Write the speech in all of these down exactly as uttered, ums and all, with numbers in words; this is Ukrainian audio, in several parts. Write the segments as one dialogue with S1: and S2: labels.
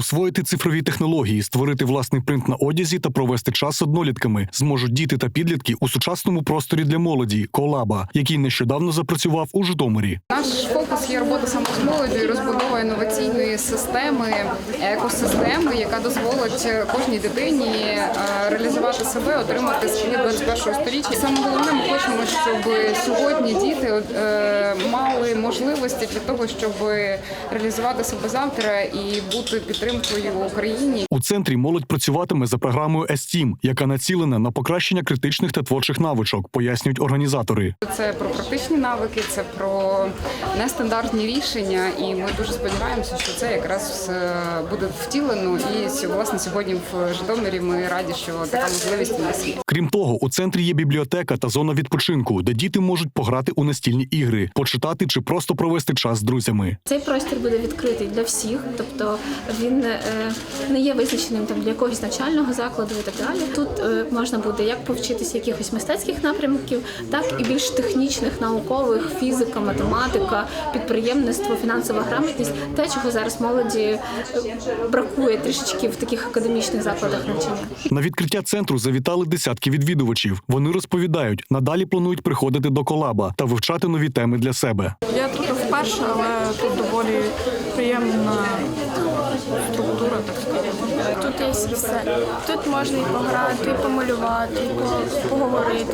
S1: Освоїти цифрові технології, створити власний принт на одязі та провести час з однолітками зможуть діти та підлітки у сучасному просторі для молоді «Колаба», який нещодавно запрацював у Житомирі.
S2: Наш фокус є робота саме з молоддю і розбудова інноваційної системи, екосистеми, яка дозволить кожній дитині реалізувати себе, отримати скіл двадцять першого сторіччя. Саме головне, ми хочемо, щоб сьогодні діти мали можливості для того, щоб реалізувати себе завтра і бути підтримкою в Україні.
S1: У центрі молодь працюватиме за програмою ес-тім, яка націлена на покращення критичних та творчих навичок, пояснюють організатори.
S2: Це про практичні навики, це про нестандартні рішення, і ми дуже сподіваємося, що це якраз буде втілено. І власне сьогодні в Житомирі ми раді, що така можливість у нас є.
S1: Крім того, у центрі є бібліотека та зона відпочинку, де діти можуть пограти у настільні ігри, почитати чи просто провести час з друзями.
S3: Цей простір буде відкритий для всіх, тобто він не є визначеним там для якогось навчального закладу і так далі. Тут можна буде як повчитися якихось мистецьких напрямків, так і більш технічних, наукових, фізика, математика, підприємництво, фінансова грамотність, те, чого зараз молоді бракує трішечки в таких академічних закладах навчання. На
S1: відкриття центру завітали десятки відвідувачів. Вони розповідають, надалі планують приходити до «Колаба» та вивчати нові теми для себе.
S4: Я тут вперше, але тут доволі приємна структура, так сказати.
S5: Тут є все. Тут можна і пограти, і помалювати, і поговорити.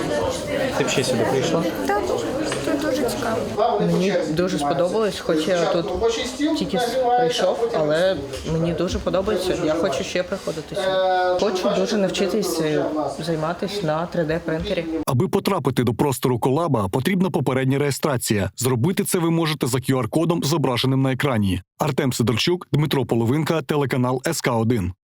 S6: Ти б ще сюди прийшла?
S5: Так, тут дуже цікаво.
S7: Мені дуже сподобалось, хоч я тут тільки прийшов, але мені дуже подобається. Я хочу ще приходити сюди. Хочу дуже навчитись займатися на три де-принтері.
S1: Аби потрапити до простору «Колаба», потрібна попередня реєстрація. Зробити це ви можете за кю ар-кодом, зображеним на екрані. Артем Сидорчук, Дмитро Половинка, телеканал ес ка один.